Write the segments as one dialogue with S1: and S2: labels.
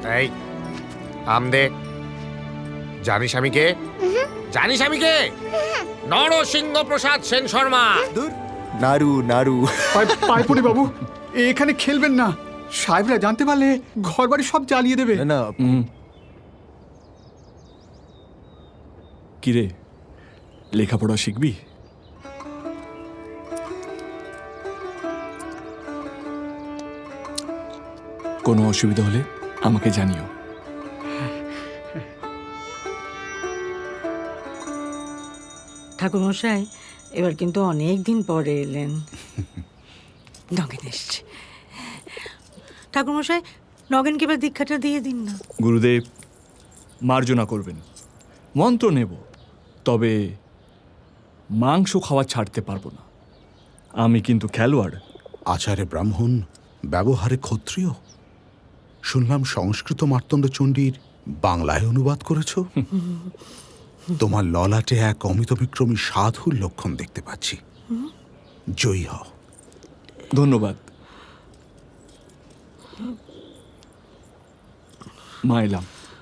S1: এই আম দে। জানিস আমি কে? জানিস আমি কে? নরসিংহ প্রসাদ সেন শর্মা।
S2: দূর নাড়ু নাড়ু।
S3: পায়পুরি বাবু, এখানে খেলবেন না। সাহেবরা জানতে পারলে ঘর বাড়ি সব জ্বালিয়ে দেবে।
S2: না
S4: কিরে, লেখাপড়া শিখবি? কোনো অসুবিধা হলে আমাকে জানিও।
S5: ঠাকুরমশাই, এবার কিন্তু অনেক দিন পরে এলেন। নগেন এসছে। ঠাকুরমশাই, নগেনকে এবার দীক্ষাটা দিয়ে দিন না।
S4: গুরুদেব মার্জনা করবেন, মন্ত্র নেব, তবে মাংস খাওয়া ছাড়তে পারবো না। আমি কিন্তু খেলোয়াড়।
S6: আচারে ব্রাহ্মণ, ব্যবহারে ক্ষত্রিয়। শুনলাম সংস্কৃত মার্তণ্ড চণ্ডীর বাংলায় অনুবাদ করেছ। তোমার ললাটে এক অমিতবিক্রমী সাধুর লক্ষণ দেখতে পাচ্ছি। জয়ী হও।
S4: ধন্যবাদ। মা এলাম।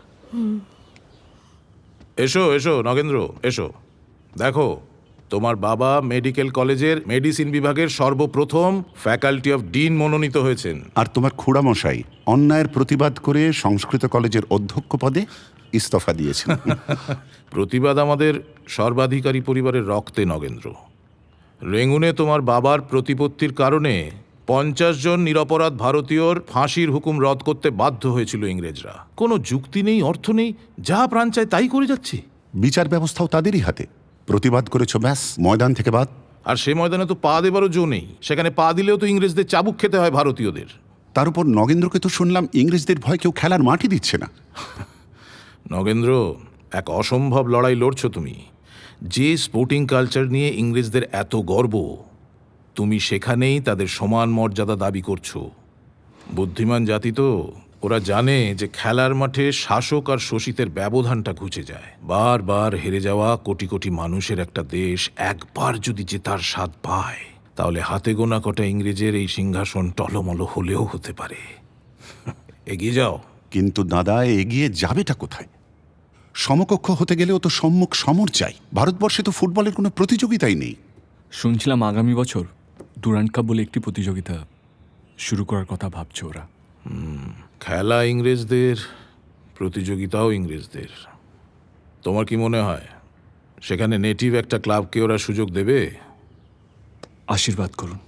S7: এসো এসো নগেন্দ্র, এসো। দেখো, তোমার বাবা মেডিকেল কলেজের মেডিসিন বিভাগের সর্বপ্রথম ফ্যাকাল্টি অফ ডিন মনোনীত হয়েছেন।
S8: আর তোমার খুড়ামশাই অন্যায়ের প্রতিবাদ করে সংস্কৃত কলেজের অধ্যক্ষ পদে ইস্তফা দিয়েছেন।
S7: প্রতিবাদ আমাদের সর্বাধিকারী পরিবারের রক্তে নগেন্দ্র। রেঙ্গুনে তোমার বাবার প্রতিপত্তির কারণে 50 জন নিরপরাধ ভারতীয়র ফাঁসির হুকুম রদ করতে বাধ্য হয়েছিল ইংরেজরা। কোনো যুক্তি নেই, অর্থ নেই, যা প্রাণ চায় তাই করে যাচ্ছে।
S8: বিচার ব্যবস্থাও তাদেরই হাতে। প্রতিবাদ করেছো, ব্যাস, ময়দান থেকে বাদ।
S7: আর সে ময়দানে তো পা দেবারও জো নেই। সেখানে পা দিলেও তো ইংরেজদের চাবুক খেতে হয় ভারতীয়দের।
S8: তার উপর নগেন্দ্রকে তো শুনলাম ইংরেজদের ভয় কেউ খেলার মাঠই দিচ্ছে না।
S7: নগেন্দ্র, এক অসম্ভব লড়াই লড়ছো তুমি। যে স্পোর্টিং কালচার নিয়ে ইংরেজদের এত গর্ব, তুমি সেখানেই তাদের সমান মর্যাদা দাবি করছো। বুদ্ধিমান জাতি তো, ওরা জানে যে খেলার মাঠে শাসক আর শোষিতের ব্যবধানটা ঘুচে যায়। বারবার হেরে যাওয়া কোটি কোটি মানুষের একটা দেশ একবার যদি জেতার স্বাদ পায়, তাহলে হাতে গোনা কটা ইংরেজের এই সিংহাসন টলমল হলেও হতে পারে। এগিয়ে যাও।
S8: কিন্তু দাদা, এগিয়ে যাবেটা কোথায়? সমকক্ষ হতে গেলেও তো সম্মুখ সমর চাই। ভারতবর্ষে তো ফুটবলের কোনো প্রতিযোগিতাই নেই।
S4: শুনছিলাম আগামী বছর ডুরান্ড কাপ বলে একটি প্রতিযোগিতা শুরু করার কথা ভাবছে ওরা।
S7: খেলা ইংরেজদের, প্রতিযোগিতাও ইংরেজদের। তোমার কি মনে হয় সেখানে নেটিভ একটা ক্লাবকে ওরা সুযোগ দেবে?
S4: আশীর্বাদ করুন,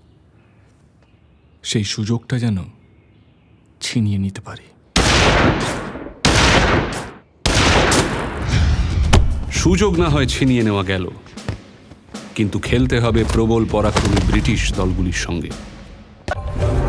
S4: সেই সুযোগটা যেন ছিনিয়ে নিতে পারি।
S9: সুযোগ না হয় ছিনিয়ে নেওয়া গেল, কিন্তু খেলতে হবে প্রবল পরাক্রমী ব্রিটিশ দলগুলির সঙ্গে।